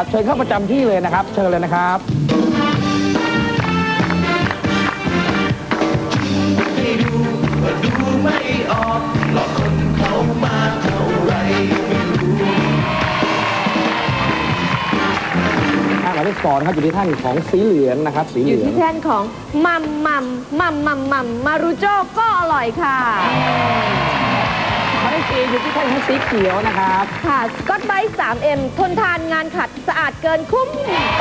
เชิญเข้าประจำที่เลยนะครับ เชิญเลยนะครับไม่ออกหลอกคนเขามาเท่าไรไม่รู้หมายเลข2นะครับอยู่ที่ท่านของสีเหลืองนะครับสีเหลืองอยู่ที่แท่นของมัมมารุโจ้ก็อร่อยค่ะหมายเลข4อยู่ที่ท่านของสีเขียวนะครับค่ะก็ไบต์ 3M ทนทานงานขัดสะอาดเกินคุ้ม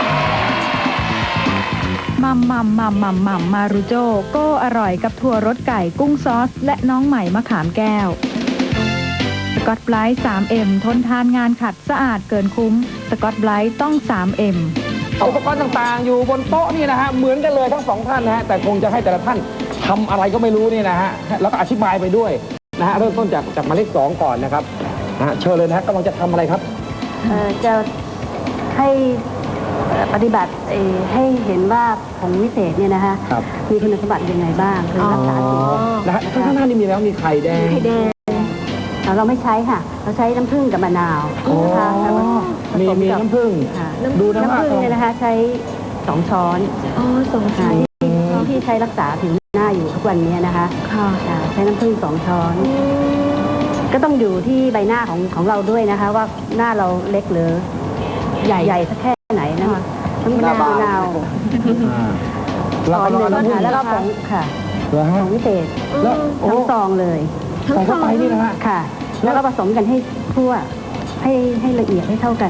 มัมมารุโจก็อร่อยกับถั่วรสไก่กุ้งซอสและน้องใหม่มะขามแก้วสกอตไบรท์ 3M ทนทานงานขัดสะอาดเกินคุ้มสกอตไบรท์ต้อง 3M อุปกรณ์ต่างๆอยู่บนโต๊ะนี่นะฮะเหมือนกันเลยทั้ง2ท่านนะฮะแต่คงจะให้แต่ละท่านทำอะไรก็ไม่รู้นี่นะฮะแล้วก็อธิบายไปด้วยนะฮะเริ่มต้นจากหมายเลข2ก่อนนะครับเชิญเลยนะฮะกำลังจะทำอะไรครับจะให้ปฏิบัติให้เห็นว่าผงวิเศษเนี่ยนะคะมีคุณสมบัติยังไงบ้างคือรักษาสิ่งนะฮะข้างหน้านี่มีแล้วมีไข่แดงเราไม่ใช้ค่ะเราใช้น้ำผึ้งกับมะนาวนะคะมีน้ำผึ้งดูน้ำผึ้งเนี่ยนะคะใช้2 ช้อน 2 ช้อนที่ใช้รักษาผิวหน้าอยู่ทุกวันนี้นะคะใช้น้ำผึ้ง2 ช้อนก็ต้องอยู่ที่ใบหน้าของเราด้วยนะคะว่าหน้าเราเล็กหรือใหญ่สักแค่ไหนนะคะน้ำมะนาวแล้วก็แล้วก็ผงค่ะผงวิเศษทั้งซองเลยใส่เข้าไปนี่นะฮะค่ะแล้วก็ผสมกันให้ทั่วให้ละเอียดให้เท่ากัน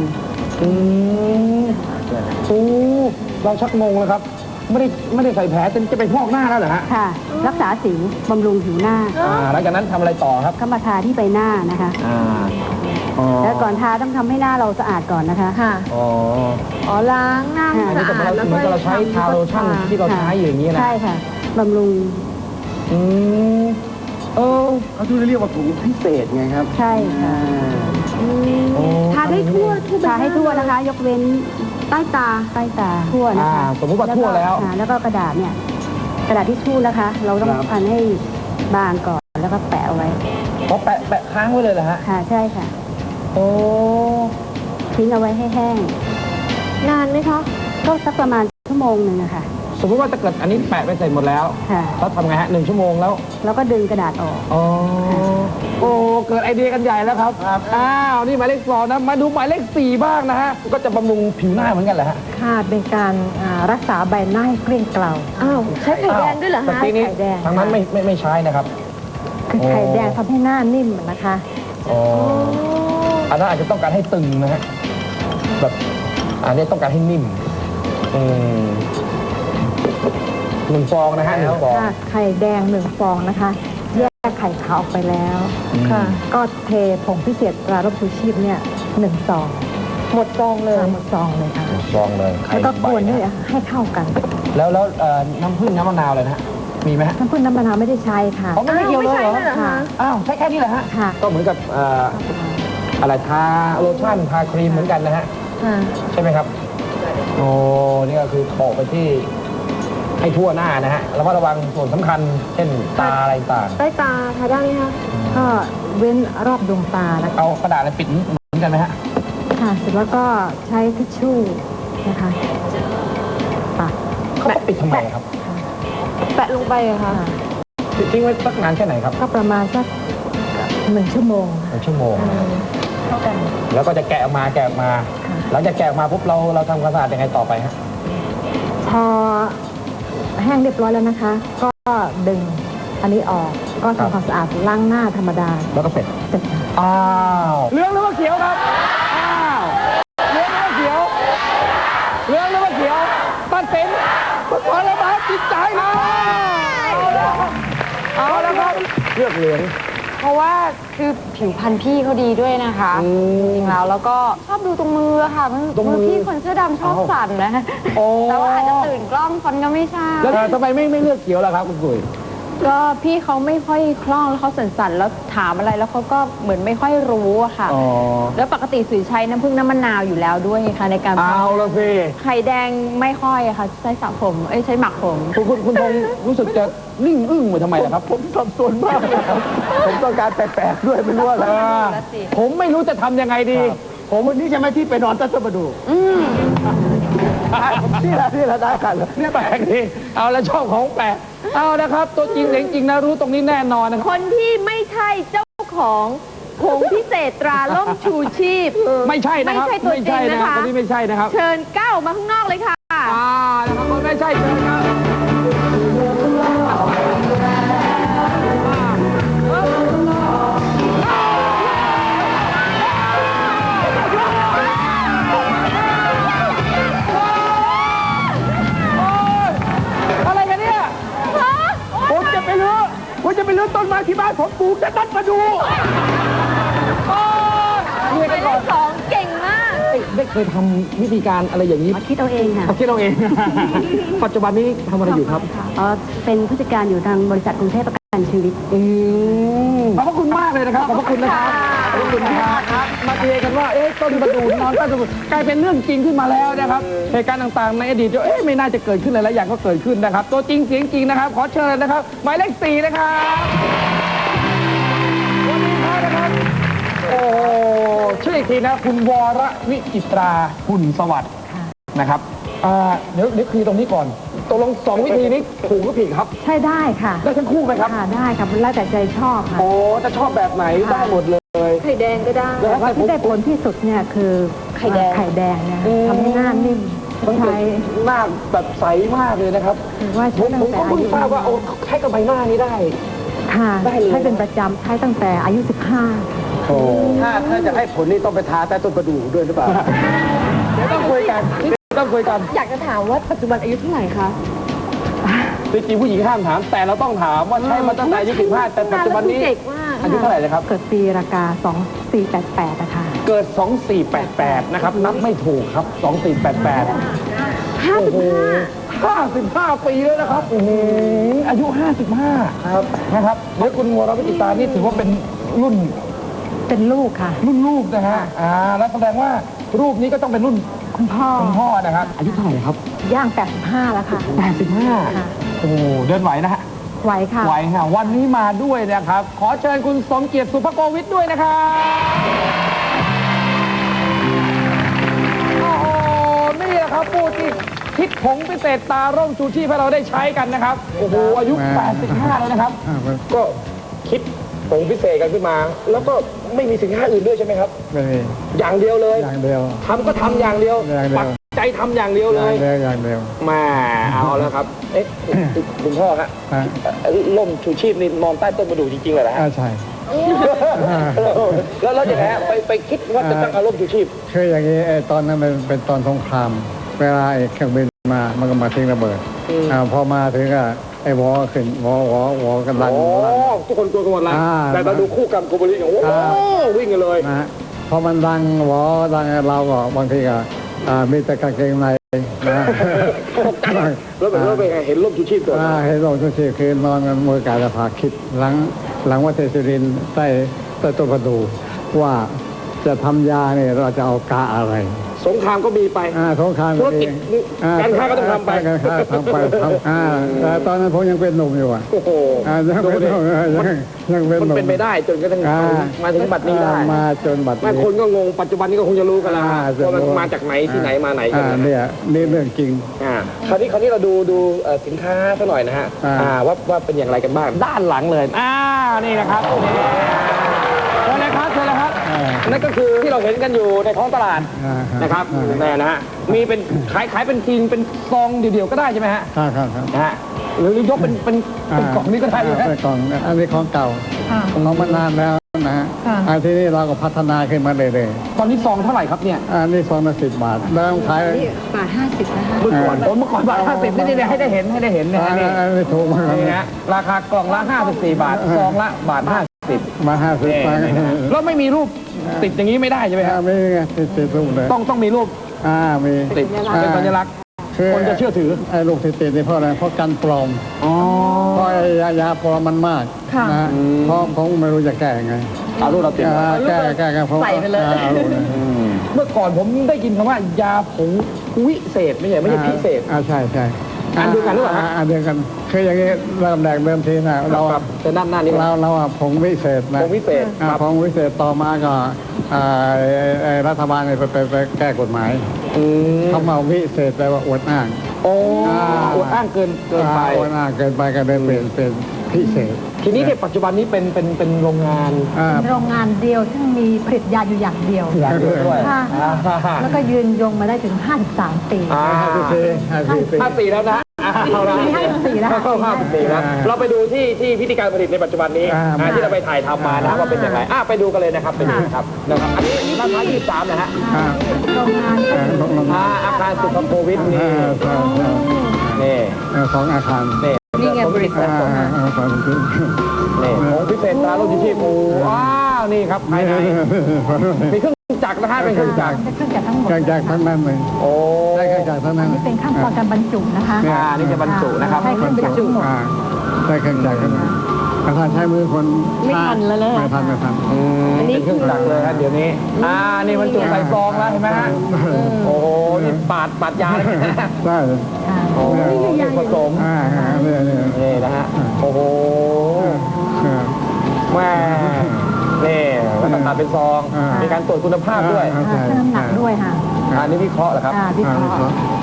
เราชักงงแล้วครับไม่ได้ใส่แผลจะไปพอกหน้าแล้วเหรอฮะค่ะรักษาสิวบำรุงผิวหน้าแล้วจากนั้นทำอะไรต่อครับก็มาทาที่ใบหน้านะคะแล้วก่อนทาต้องทำให้หน้าเราสะอาดก่อนนะคะค่ะล้างหน้าสะอาดแล้วก็เราใช้ทาโลชั่นที่เราใช้อย่างนี้นะใช่ค่ะบำรุงเขาที่เรียกว่าถุงพิเศษไงครับใช่ค่ะทาได้ทั่วทาให้ทั่วนะคะยกเว้นใต้ตาทั่วนะคะสมมติว่าทั่วแล้วก็กระดาษเนี่ยกระดาษทิชชู่นะคะเราต้องพันให้บางก่อนแล้วก็แปะเอาไว้แปะค้างไว้เลยเหรอฮะค่ะใช่ค่ะทิ้งเอาไว้ให้แห้งนานไหมคะก็สักประมาณ1 ชั่วโมงนะคะสมมติว่าจะเกิดอันนี้แปะไปเสร็จหมดแล้วเราทำไงฮะ1 ชั่วโมงแล้วก็ดึงกระดาษออกเกิดไอเดียกันใหญ่แล้วครับนี่หมายเลข2นะมาดูหมายเลข4บ้างนะฮะก็จะบำรุงผิวหน้าเหมือนกันแหละฮะค่ะเป็นการรักษาใบหน้าให้เกลี้ยงเกลาใช้ไข่แดงด้วยเหรอฮะไข่แดงทางนั้นไม่ใช้นะครับคือไข่แดงทำให้หน้านิ่มนะคะอันนั้นอาจจะต้องการให้ตึงนะฮะแบบอันนี้ต้องการให้นิ่ม1 ฟองนะฮะ1 ฟองไข่แดง1 ฟองนะคะแยกไข่ขาวออกไปแล้วค่ะก็เทผงพิเศษตราลบชูชีพเนี่ย1 ซองหมดซองเลยหมดซองเลยค่ะซองเลยแล้วก็กวนด้วยให้เข้ากันแล้วน้ำผึ้งน้ำมะนาวเลยนะฮะมีไหมฮะน้ำผึ้งน้ำมะนาวไม่ได้ใช้ค่ะไม่เกี่ยวเลยเหรอใช้แค่นี้แหละฮะก็เหมือนกับอะไรทาโลชั่นทาครีมเหมือนกันนะฮะใช่ไหมครับนี่ก็คือโปะไปที่ให้ทั่วหน้านะฮะแล้วก็ระวังส่วนสำคัญเช่นตาอะไรต่างใต้ตาทาได้ไหมคะก็เว้นรอบดวงตาแล้วเอากระดาษอะไรปิดเหมือนกันไหมฮะค่ะเสร็จแล้วก็ใช้ทิชชู่นะคะเขาปิดทำไมครับแปะลงไปอะค่ะทิ้งไว้สักนานแค่ไหนครับก็ประมาณสัก1 ชั่วโมง 1 ชั่วโมงเท่ากันแล้วก็จะแกะออกมาหลังจากแกะออกมาปุ๊บเราทำความสะอาดยังไงต่อไปฮะพอแห้งเรียบร้อยแล้วนะคะก็ดึงอันนี้ออกก็ทำความสะอาดล้างหน้าธรรมดาแล้วก็เสร็จเหลืองหรือว่าเขียวครับเหลืองหรือว่าเขียวตัดสินขอระบายจิตใจนะเอาแล้วครับเลือกเหลืองเพราะว่าคือผิวพรรณพี่เขาดีด้วยนะคะจริงๆแล้วก็ชอบดูตรงมือค่ะมือพี่คนเสื้อดำชอบสั่นนะแต่ว่าอาจจะตื่นกล้องคนก็ไม่ใช่แล้วทำไมไม่เลือกเขียวล่ะครับคุณกุยก็พี่เขาไม่ค่อยคล่องแล้วเขาสั่นๆแล้วถามอะไรแล้วเขาก็เหมือนไม่ค่อยรู้อะค่ะแล้วปกติสุยใช้น้ำผึ้งน้ำมะนาวอยู่แล้วด้วยค่ะในการเอาละสิไข่แดงไม่ค่อยอะค่ะใช้สระผมใช้หมักผมคุณทงรู้สึกจะนิ่งอึ้งมาทำไมล่ะครับผมสับสนมากเลยครับผมต้องการแปลกๆด้วยไม่รู้อะไรผมไม่รู้จะทำยังไงดีผมวันนี้ใช่ไหมที่ไปนอนใต้ต้นประดู่นี่แหละได้กันเนี่ยแปลกดีเอาแล้วชอบของแปลกเอานะครับ ตัวจริงเสียงจริงนะรู้ตรงนี้แน่นอนนะครับคนที่ไม่ใช่เจ้าของผงพิเศษตราล่มชูชีพไม่ใช่นะครับไม่ใช่ตัวจริงนะคะคนนี้ไม่ใช่นะครับเชิญก้าวออกมาข้างนอกเลยค่ะนะครับคนไม่ใช่เชิญครับอะไรกันเนี่ยผมจะไปลื้อต้นไม้ที่บ้านผมปลูกจะนัดมาดูเรียกกันก่อนสองเก่งมากได้เคยทำวิธีการอะไรอย่างนี้คิดเอาเองค่ะคิดเราเอง ปัจจุบันนี้ทำอะไรอยู่ครับเป็นผู้จัดการอยู่ทางบริษัทกรุงเทพประกันชีวิตขอบพระคุณมากเลยนะครับ ขอบพระคุณนะครับ ขอบพระคุณนะครับ มาเทียกันว่าต้นประดู่นอนใต้ต้นประดู่กลายเป็นเรื่องจริงขึ้นมาแล้วนะครับ เหตุการณ์ต่างๆในอดีตไม่น่าจะเกิดขึ้นเลยแล้วอย่างก็เกิดขึ้นนะครับ ตัวจริงเสียงจริงนะครับ ขอเชิญนะครับ หมายเลข 4 นะครับวันนี้นะครับ โอ้ชื่ออีกทีนะคุณวรวิจิตราหุ่นสวัสดิ์นะครับเดี๋ยวคือตรงนี้ก่อนตกลง2 วิธีนี้ถูกหรือผิดครับใช่ได้ค่ะได้ทั้งคู่ไหมครับค่ะได้ค่ะแล้วแต่ใจชอบค่ะโอ้จะชอบแบบไหนได้หมดเลยไข่แดงก็ได้แต่ว่าที่ได้ผลที่สุดเนี่ยคือไข่แดงเนี่ยทำให้หน้านิ่มมันใช้หน้าแบบใสมากเลยนะครับถือว่าผใช้มตั้งแต่ก็อาเพิ่งยุทราบว่าใช้กับใบหน้านี้ได้ค่ะได้เลยใช้เป็นประจำใช้ตั้งแต่อายุ 15 โอ้ถ้าจะให้ผลนี่ต้องไปทาใต้ต้นประดู่ด้วยหรือเปล่าเดี๋ยวต้องคุยกันต้องคุยกันอยากจะถามว่าปัจจุบันอายุเท่าไหร่คะจริงๆผู้หญิงห้ามถาม แต่เราต้องถามว่าใช่มาตั้งแต่อายุ15แต่ปัจจุบันนี้เด็กมากอายุเท่าไหร่เลยครับเกิดปีรากา 2488นะคะเกิด 2488 นะครับ นับไม่ถูกครับ 2488 โอ้โห55 ปีแล้วนะครับโอ้โหอายุ 55 ครับ นะครับเดี๋ยวคุณวรวิจิตรานี่ถือว่าเป็นรุ่นเป็นลูกค่ะลูกนะฮะ แล้วแสดงว่ารูปนี้ก็ต้องเป็นรุ่นคุณพ่อคุณพ่อนะครับ อายุเท่าไหร่ครับย่าง 85 แล้วค่ะ 85 โอ้โหเดินไหวนะฮะไหวค่ะไหวฮะวันนี้มาด้วยนะครับ ขอเชิญคุณสมเกียรติสุภโกวิทด้วยนะครับโอ้โหนี่แหละครับผู้ที่คิดผงพิเศษตาร่มชูชีพให้เราได้ใช้กันนะครับ โอ้โหอายุ 85 แล้วนะครับ ก็คิดผงพิเศษกันขึ้นมา แล้วก็ไม่มีสินค้าอื่นด้วยใช่ไหมครับไม่มีอย่างเดียวเลยอย่างเดียวทำก็ทำอย่างเดียวอย่างเดียวปักใจทำอย่างเดียวเลยอย่างเดียวมาเอาแล้วครับ คุณพ่อฮะอ่าล่มชูชีพนี่นอนใต้ต้นประดู่จริงๆเลยนะฮะใช่แล้วยังไงฮะไปคิดว่าจะตั้งอารมณ์ชูชีพคืออย่างนี้ไอ้ตอนนั้นมันเป็นตอนสงคราม เวลาไอ้เครื่องบินมามันก็มาทิ้งระเบิดพอมาถึงก็ไอ้วอขึ้นวอกันลันโอ้ทุกคนกลัวกันหมดแล้ว แต่เราดูคู่กรรมโกบริโอ้โหวิ่งกันเลยนะฮะพอมันดังวอดังเราก็บางทีก็มีแต่กางเกงในนะแล้วเป็นไงเห็นร่มชูชีพตัวเห็นลงทุกทีคือนอนกันมือกายภาคิดหลังวัดเทศิรินใต้ต้นประดูว่าจะทำยาเนี่ยเราจะเอากาอะไรสงครามก็มีไปสงครามธุรกิจการค้าก็ต้องทำไปการค้าทำไปแต่ตอนนั้นผมยังเป็นหนุ่มอยู่อ่ะโอ้โหยังเป็นหนุ่มยังเป็นมันหนุ่มเป็นไปได้จนกระทั่งมาถึงบัดนี้ได้มาจนบัดไม่นี้คนก็งงปัจจุบันนี้ก็คงจะรู้กันแล้วว่ามันมาจากไหนที่ไหนมาไหนกันเนี่ยนี่เรื่องจริงคราวนี้เราดูสินค้าสักหน่อยนะฮะว่าเป็นอย่างไรกันบ้างด้านหลังเลยนี่นะครับเชิญเลยครับเชิญเลยครับนั่นก็คือที่เราเห็นกันอยู่ในท้องตลาดนะครับนี่นะฮะมีเป็นขายเป็นทีนเป็นซองเดี่ยวๆก็ได้ใช่ไหมฮะครับนะฮะหรือยกเป็นกล่องนี้ก็ได้เลยเป็นกล่องอันนี้ของเก่าของมานานแล้วนะฮะทีนี้เราก็พัฒนาขึ้นมาเรื่อยตอนนี้ซองเท่าไหร่ครับเนี่ยๆอันนี้ซองละ10 บาทแล้วขายบาท 50 นะคะเมื่อก่อนบาท50นี่ให้ได้เห็นนะฮะนี่อันนี้ถูกมากนี่ฮะราคากล่องละ54 บาทซองละบาท50 มา50 บาทแล้วไม่มีรูปติดอย่างนี้ไม่ได้ใช่ไหมครับไม่ไงติดรูปเลยต้องมีรูปมีติดเป็นสัญลักษณ์คนจะเชื่อถือไอ้ลูกที่ติดนี่เพราะอะไรเพราะกันปลอมเพราะไอ้ยาปลอมมันมากนะเพราะผมไม่รู้จะแก้ยังไงเอารูปเราติดแก้เพราะใส่ไปเลยอารูปเลยเมื่อก่อนผมได้ยินคำว่ายาผงวิเศษไม่ใช่พิเศษใช่อันเดียวกันหรือเปล่าฮะอันเดียวกันคืออย่างนี้เริ่มแรกเดิมทีนะเราครับแต่ด้านหน้านี่เราผงวิเศษนะผงวิเศษผงวิเศษต่อมาก็รัฐบาลเนี่ยไปแก้กฎหมายเขามาวิเศษแปลว่าอวดอ้างโอ้อวดอ้างเกินไปอวดอ้างเกินไปก็เลยเปลี่ยนเป็นพิเศษทีนี้เนี่ยปัจจุบันนี้เป็นโรงงานเป็นโรงงานเดียวซึ่งมีผลิตยาอยู่อย่างเดียวอย่างเดียวด้วยค่ะแล้วก็ยืนยงมาได้ถึง 53 ปี 54แล้วนะเข้าแล้ว 54แล้วเข้า54แล้วเราไปดูที่พิธีการผลิตในปัจจุบันนี้ที่เราไปถ่ายทำมานะว่าเป็นยังไงไปดูกันเลยนะครับไปดูครับนะครับอันนี้ราคา23นะฮะโรงงานก็คืออาคารสุขโควิดนี่นี่ของอาคารนี่ไงบริษัทส่งมานี่ของพิเศษตราลูกชีพว้าวนี่ครับภายในมีเครื่องจักรนะฮะเป็นเครื่องจักรเครื่องจักรทั้งหมดเครื่องจักรทั้งนั้นเลยโอ้ได้เครื่องจักรทั้งนั้นนี่เป็นขั้นตอนการบรรจุนะคะนี่จะบรรจุนะครับใช้เครื่องจักรทั้งหมดได้เครื่องจักรทั้งนั้นอาคารใช้มือคนไม่ทันแล้วเลยไม่ทันอันนี้เครื่องจักรเลยฮะเดี๋ยวนี้นี่บรรจุใส่ซองแล้วเห็นไหมฮะโอ้โหนี่ปาดยาเลยนะได้โอ้โหนี่ผสมเนี่ยนี่นะฮะโอ้โหแม่นี่แล้วก็ตัดเป็นซองมีการตรวจคุณภาพด้วยเครื่องน้ำหนักด้วยค่ะอันนี้วิเคราะห์เหรอครับวิเคราะห์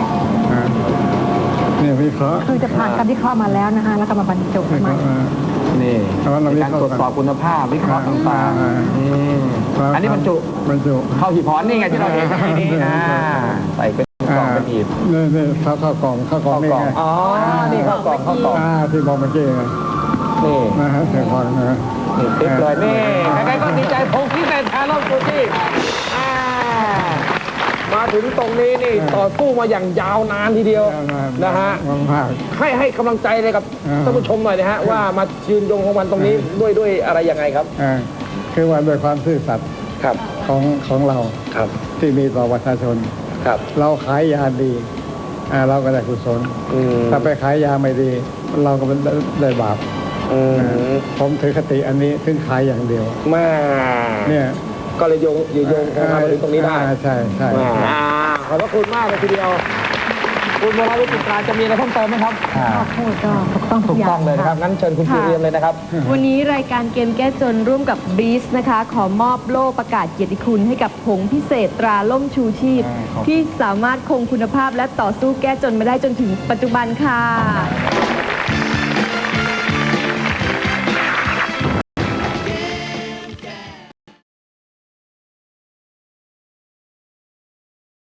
เนี่ยวิเคราะห์คือจะผ่านการวิเคราะห์มาแล้วนะคะแล้วก็มาบรรจุมานี่มีการตรวจสอบคุณภาพวิเคราะห์ต่างๆอันนี้บรรจุเข้าหีบพรนี่ไงที่เราเห็นนี่ใส่เป็นกล่องเป็นหีบนี่ข้าวกล่องนี่ไงอ๋อนี่ข้าวกล่องที่บอกเมื่อกี้ไงนี่นะฮะเสียงพรนะนี่ติ๊กเลยนี่ใครๆก็ดีใจผมพิเศษแทนรอบกูที่มาถึงตรงนี้นี่ต่อสู้มาอย่างยาวนานทีเดียวนะฮะให้กำลังใจเลยกับท่านผู้ชมหน่อยนะฮะว่ามายืนยงของมันตรงนี้ด้วยอะไรยังไงครับคือว่าด้วยความซื่อสัตย์ครับของเราครับที่มีต่อประชาชนครับเราขายยาดีเราก็ได้กุศลถ้าไปขายยาไม่ดี เราก็ได้บาปผมถือคติอันนี้ถึงขายอย่างเดียวมาเนี่ยก็เลยโยงของมาถึงตรงนี้ได้ใช่ใช่ขอบพระคุณมากเลยทีเดียวคุณวราวุฒิตราจะมีอะไรเพิ่มเติมไหมครับพูดก็ถูกต้องทุถูกกอย่าต้อง งเลยนะครับงั้นเชิญคุณครูเรียนเลยนะครับวันนี้รายการเกมแก้จนร่วมกับบีสนะคะ ขอมอบโล่ประกาศเกียรติคุณให้กับผงพิเศษตราล่มชูชีพ ที่สามารถคงคุณภาพและต่อสู้แก้จนมาได้จนถึงปัจจุบันค่ะ